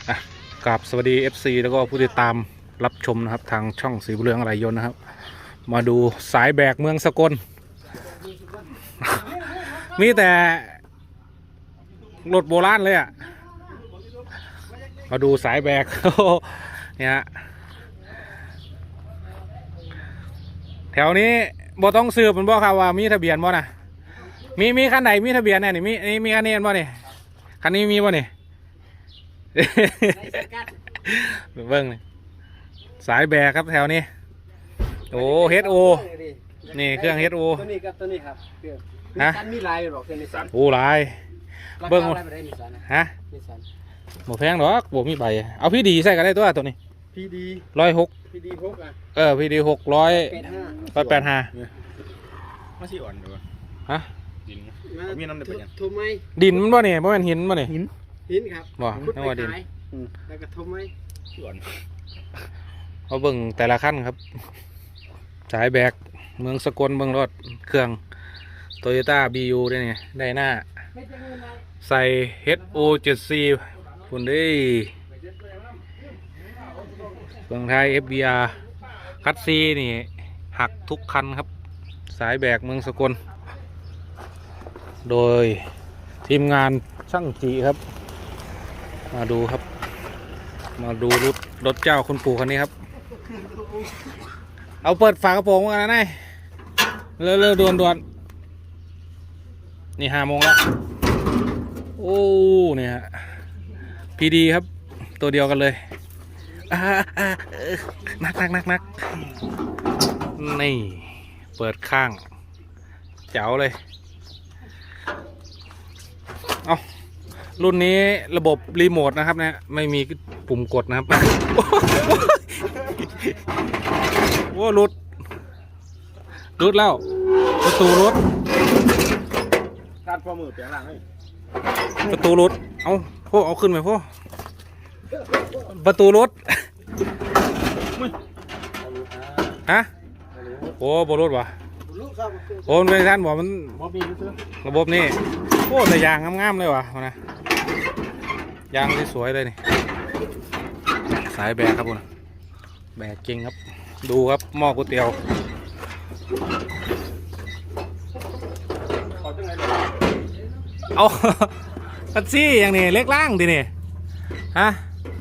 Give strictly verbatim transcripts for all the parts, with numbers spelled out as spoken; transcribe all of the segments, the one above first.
อ่ะกราบสวัสดี เอฟ ซี แล้วก็ผู้ติดตามรับชมนะครับทางช่องสีบุญเรืองอะไรยนต์นะครับมาดูสายแบกเมืองสกล มีแต่รถโบราณเลยอ่ะมาดูสายแบก เนี่ยฮะแถวนี้บ่ต้องสืบมันบ่ครับว่ามีทะเบียนบ่นะมีมีคันไหนมีทะเบียนแน่นี่มีนี่มีคันนี้บ่นี่คันนี้มีบ่นี่ เบิ้งนี่สายแบกครับแถวนี้โอ้เฮดโอนี่เครื่องเฮดโอตัวนี้กับตัวนี้ครับเครื่องนิสสันมีลายหรอกเครื่องนิสสันโอ้ลายเบิ้งราคาอะไรไปได้นิสสันนะฮะนิสสันหมดแพงหรอกบวมีใบเอาพี่ดีใส่กันได้ตัวตัวนี้พีดีร้อยหกพีดีหกอ่ะเออพี่ดีหกร้อยแปดห้าร้อยแปดห้ามาสิอ่อนดูฮะดินมามีน้ำเดือดยังทุบไหมดินมันบ่เนี่ยบ่แม่นหินบ่เนี่ยหินหินครับบ่ขุดนึกไปว่าดินขายแล้วก็ทุบไหมสิอ่อนเอาเบิ่งแต่ละขั้นครับสายแบกเมืองสกลเบิ่งรถเครื่องโตโยต้าบียูได้เนี่ยได้หน้าไม่จะเงินอะไรใส่ เอช โอ เจ็ด ซี คุณได้เมืองไทย เอฟ บี อาร์ คัตซีนี่หักทุกคันครับ สายแบกเมืองสกลโดยทีมงานช่างจีครับมาดูครับมาดูรถรถเจ้าคุณปู่คันนี้ครับเอาเปิดฝากระโปรงกันนะนายเร็วๆด่วนๆนี่ห้าโมงแล้วโอ้เนี่ยฮะพีดีครับตัวเดียวกันเลยอ่าอ่าเออนักนักนักนักนี่เปิดข้างเจ๋วเลยเอารุ่นนี้ระบบรีโมทนะครับเนี่ยไม่มีปุ่มกดนะครับโอ้รุดรุดแล้วประตูรุดการพอมือเปลี่ยนหลังให้ประตูรุดเอาพ่อเอาขึ้นไปพ่อประตูรุดฮะโอ้บรุดวะลูกครับโอ้มันเป็นท่านบอกมันมอบีรู้สึกระบบนี่โอ้แต่ยางงามๆเลยวะนะยางสวยๆเลยนี่สายแบกครับคุณแบกจริงครับดูครับหม้อก๋วยเตี๋ยวขอจังไงเอา คัตซี่อย่างนี้เล็กล่างดินี่ฮะ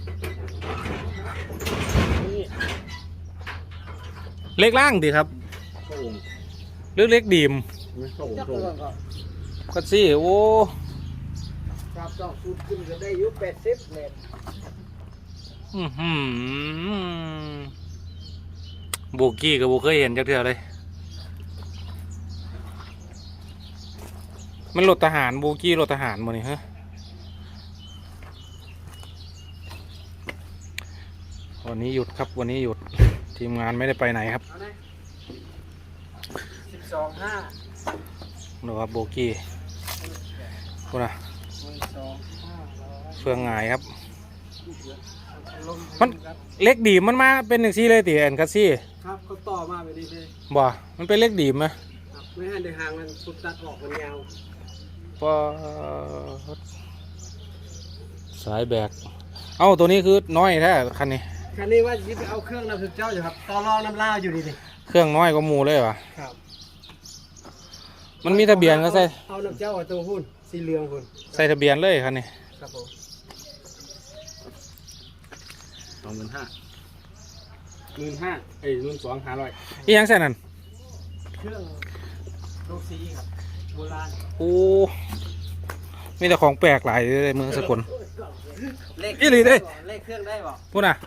เล็กล่างดิครับโอ่งเล็กเล็กดีมไม่โอ่งจับโอ่ตัวงก่อนคัตซี่โอ้ครับต้องสูตรขึ้นก็ได้อยุแปดสิบเมตรอื้อหือโบกี้กับโบเคยเห็นจักเทื่อเลยมันรถทหารโบกี้รถทหารหมดนี่ฮะวันนี้หยุดครับวันนี้หยุดทีมงานไม่ได้ไปไหนครับเอาไหนสิบสองห้าดูครับโบกี้คุณอะหนึ่งสองห้าร้อยเฟืองหงายครับลงมันครับเล็กดีมมันมาเป็นหนึ่งซี่เลยตีแอนคัสซี่ครับเขาต่อมาแบบนี้เลยบ่มันเป็นเล็กดีมไหมครับไม่ให้ในหางมันสุดตัดออกมันยาวพอสายแบกเอ้าตัวนี้คือน้อยแท้คันนี้คันนี้ว่าจะไปเอาเครื่องน้ำสุดเจ้าอยู่ครับต่อรองน้ำลาวอยู่ดีดิเครื่องน้อยกว่าหมูเลยวะครับมันมีทะเบียนก็ใส่เอาน้ำเจ้าตัวหุ้นสีเหลืองหุ้นใส่ทะเบียนเลยคันนี้ครับผมสองหมื่นห้าหมื่นห้าเอ้ยหมื่นสองห้าร้อยอีหยังใส่นั่นเครื่องโลซีครับโบราณโอ้มีแต่ของแปลกหลายเลยเมืองสกลเลขอีหลีเด้เลขเครื่องได้บ่พูดน่ะ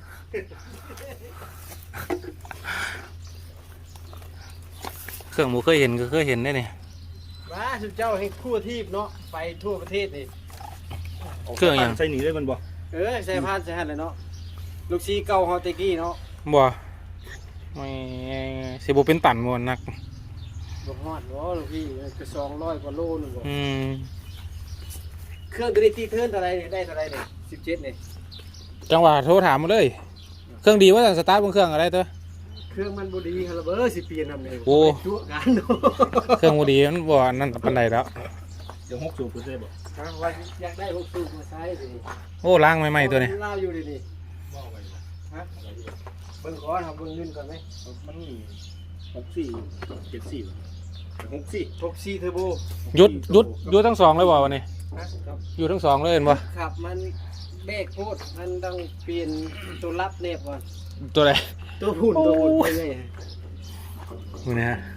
เครื่องหมูเคยเห็นก็เคยเห็นได้นี่ว้าสุดเจ้าให้ทั่วทีบเนาะไปทั่วประเทศนี่เครื่องหยังใส่หนีเลยมันบ่เออใส่พานใส่หันเลยเนาะลูกซีเก่าเฮาแตะกี้เนาะบ่ไม่สิบเป็นตันหมดนักบ่ฮอดบ่ลูกพี่ก็สองร้อยกว่าโลนึงบ่อืมเครื่องตัวนี้ตีเทิร์นเท่าไหร่นี่ได้เท่าไหร่นี่สิบเจ็ดนี่จังหวะโทรถามมาเลย เครื่องดีว่าจะสตาร์ทบนเครื่องอะไรตัวเครื่องมันบ่ดีครับเบอร์สิเปลี่ยนนำนี่โอ้ตัวกันเนาะเครื่องบดีมันบ่นั่นปันใดแล้วเดี๋ยวหกสูบคุณได้บอกฮะว่าอยากได้หกสูบมาใช้ดิโอ้ล้างใหม่ๆตัวนี้เล่าอยู่ดินี่บอกไปเลยฮะเบิ่งก่อนครับเบิ่งเงินก่อนไหมมันมีหกสี่เจ็ดสี่หกสี่หกสี่เทอร์โบหยุดหยุดหยุดทั้งสองเลยบ่วันนี้ฮะครับอยู่ทั้งสองเลยเห็นบ่ครับมันเบรกโคตรมันต้องเปลี่ยนตัวรับเนบก่อนตัวไหนตัวหุ่นตัวหุ่นไปเลยนี่นะฮะ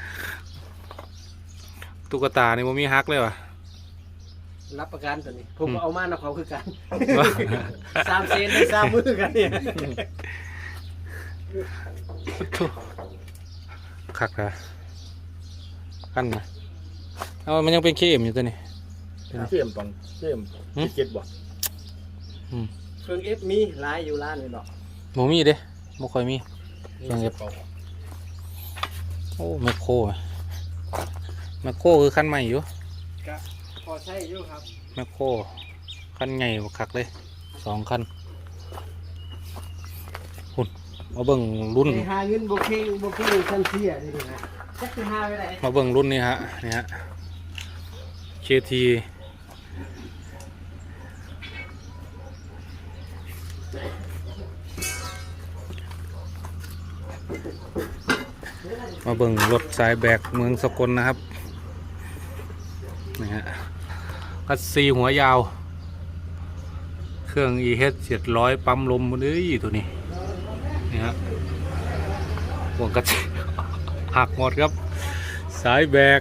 ตุ๊กตานี่มันมีฮักเลยว่ะรับประกันตัวนี้ผมก็เอามานะเขาคือกันสามเซนได้สามมือกันเนี่ยคักนะขั้นนะเอามันยังเป็นเคมอยู่ตัวนี้เสียมตอนเสียมเจ็ดบอกเครื่องเอฟมีหลายอยู่ร้านนี่ดอกโมมีเด้โมค่อยมี เครื่องเอฟ โอ้แมคโครอะแมคโครคือขั้นใหม่อยู่ก็พอใช้อยู่ครับแมคโครขั้นใหญ่กว่าคักเลยสองขั้นหุ่นมาเบิ่งรุ่นไปหาเงินโบเก้โบเก้ชั้นเสียนี่นะจักจะหาไปไหนมาเบิ่งรุ่นนี้ฮะนี่ฮะ เค ที มาเบิ่งรถสายแบกเมืองสกลนะครับนี่ฮะกัสซีหัวยาว เครื่อง อี เอช เจ็ดร้อยปั๊มลมมันเอ้ยตัวนี้นี่ฮะห่วงกัสซีหักหมดครับ สายแบก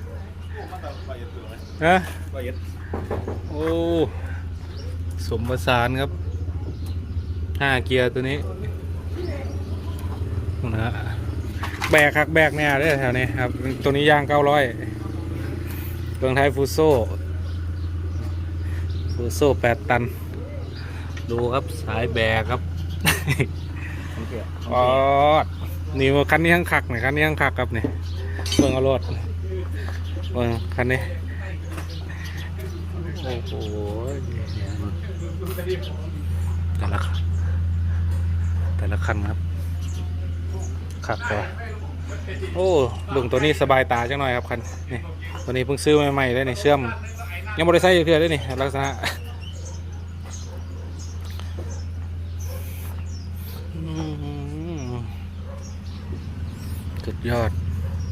นะโอ้สมประสานครับห้าเกียร์ตัวนี้นะฮะแบกหักแบกเนี่ยได้แถวนี้ครับตัวนี้ยางเก้าร้อยเบืองไทยฟูโซ่ฟูโซ่แปดตันดูครับสายแบกครับอ๋อนี่ว่าคันนี้ข้างขักหน่อยคันนี้ข้างขักครับเนี่ยเบืองเอารถเบืองคันนี้โอ้โหแต่ละแต่ละคันครับขักตัวโอ้เบิ่งตัวนี้สบายตาจังหน่อยครับคันนี่ตัวนี้เพิ่งซื้อใหม่ๆเลยนี่เชื่อมยังบริษัทอยู่เพื่อเลยนี่ลักษณะสุดยอด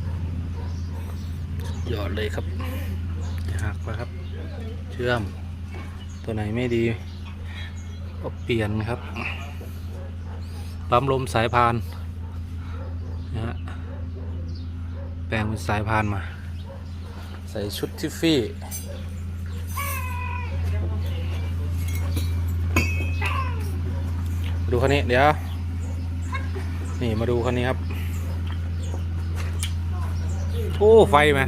สุดยอดเลยครับหักไปครับเชื่อมตัวไหนไม่ดีก็เปลี่ยนครับปั๊มลมสายพานนะฮะแปลงเป็นสายพานมาใส่ชุดทิฟฟี่ดูคันนี้เดี๋ยวนี่มาดูคันนี้ครับโอ้ไฟไหม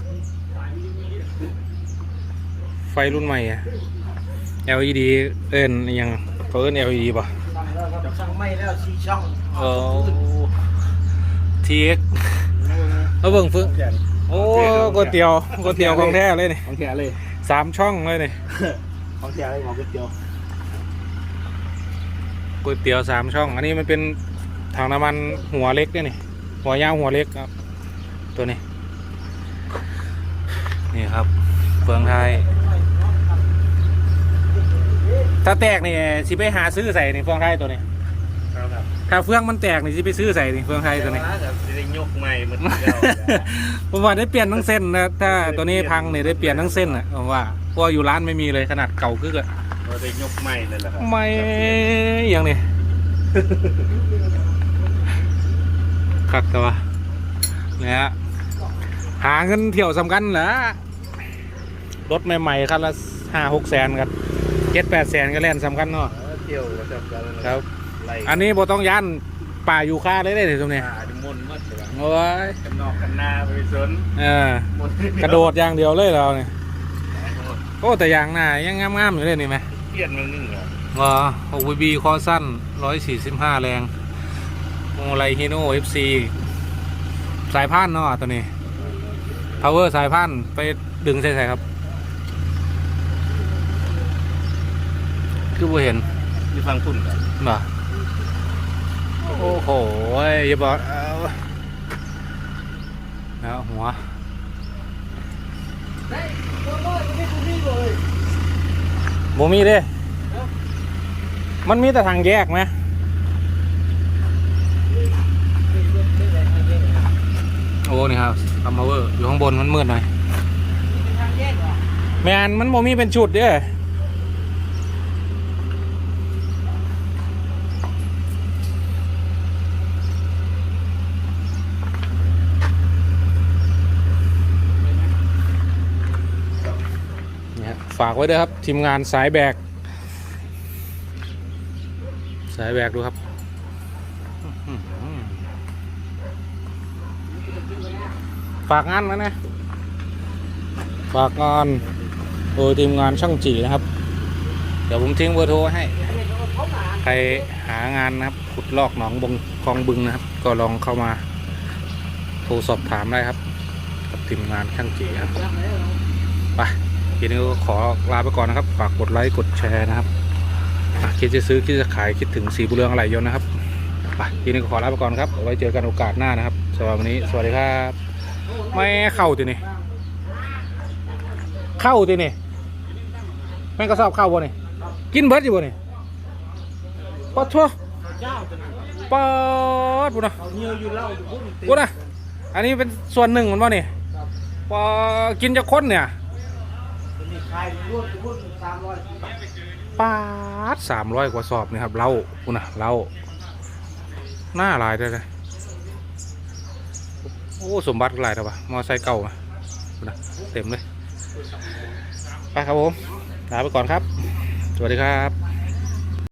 ไฟรุ่นใหม่อะ แอล อี ดี เอิ้นยังเขาเอิ้น แอล อี ดี ป่ะสั่งแล้วครับสั่งไม่แล้วสี่ช่องเออ ที เอ็กซ์ เอาเบิ่งฟึ่งโอ้ก๋วยเตี๋ยวก๋วยเตี๋ยวของแท้เลยนี่ของแท้เลยสามช่องเลยนี่ของแท้เลยของก๋วยเตี๋ยวก๋วยเตี๋ยวสามช่อง อันนี้มันเป็นถังน้ำมันหัวเล็กด้วยนี่ หัวยาวหัวเล็กครับ ตัวนี้ นี่ครับเฟืองไทย ถ้าแตกนี่สิไปหาซื้อใส่นี่เฟืองไทยตัวนี้ครับถ้าเฟืองมันแตกนี่สิไปซื้อใส่นี่เฟืองไทยตัวนี้ได้ยกใหม่เหมือนเดิมผมว่าได้เปลี่ยนทั้งเส้นนะถ้าตัวนี้พังเนี่ยได้เปลี่ยนทั้งเส้นอ่ะผมว่าเพราะอยู่ร้านไม่มีเลยขนาดเก่าคึกอ่ะเราได้ยกใหม่เลยแหละครับไม่อย่างนี้ ขัดตัวเนี่ยฮะหาเงินเที่ยวสำคัญเหรอรถใหม่ๆคันละห้าหกแสนกันเจ็ดแปดแสนก็แล่นสำคัญเนาะเที่ยวก็จะกันครับ อันนี้บ่ต้องย่านป่าอยู่ค่าเลยได้เลยตรงนี้อ่าดิมนต์มัดเลยโอ้ยกันนอกกันหน้าไปสนเออกระโดดอย่างเดียวเลยเราเนี่ยโอ้แต่อย่างหน้ายังงามๆอยู่เลยนี่ไหมเปลี่ยนมึงนึงเหรอว่าโอวีบีคอสั้นร้อยสี่สิบห้าแรงโมไลฮิโน่เอฟซีสายพานเนาะตัวนี้ power สายพานไปดึงใส่ใส่ครับคือบ่เห็นที่ฟังคุณกันบ่โอ้โหอย่าบอกเอาแล้วหัวได้ตัวน้อยมันไม่คุ้มนี่เลยบ่มีเด้มันมีแต่ทางแยกไหมโอ้นี่ครับคัมมาเวอร์อยู่ข้างบนมันมืดหน่อยเป็นทางแยกเหรอแมนมันบ่มีเป็นชุดเด้เนี่ยฝากไว้ด้วยครับทีมงานสายแบกสายแบกดูครับฝากงานนะเนี่ยฝากงานโดยทีมงานช่างจีนะครับเดี๋ยวผมทิ้งเบอร์โทรไว้ให้ใครหางานนะครับขุดลอกหนองบงคลองบึงนะครับก็ลองเข้ามาโทรสอบถามได้ครับกับทีมงานช่างจีครับไปทีนี้ก็ขอลาไปก่อนนะครับฝากกดไลค์กดแชร์นะครับคิดจะซื้อคิดจะขายคิดถึงสีบุเรืองอะไรยนต์นะครับไปทีนี้ก็ขอลาไปก่อนครับเอาไว้เจอกันโอกาสหน้านะครับสำหรับวันนี้สวัสดีครับไม่เข้าทีนี่เข้าทีนี่แม่งก็ชอบเข้าบ่นี่กินเบิร์ดอยู่บ่นี่ปอดทั่วเจ้าจะนั่นปอดปุ่นนะเอาเนียวอยู่เล่าอยู่พุ่นปุ่นนะอันนี้เป็นส่วนหนึ่งมันบ่นี่ปอกินจะค้นเนี่ยเป็นนี่ขายรวมพุ่นสามร้อยปาดสามร้อยกว่าสอบนี่ครับเหล้าปุ่นนะเหล้าหน้าลายได้เลยโอ้สมบัติหลายแล้วปะมอไซค์เก่ามาปุ่นนะเต็มเลยไปครับผมลาไปก่อนครับสวัสดีครับ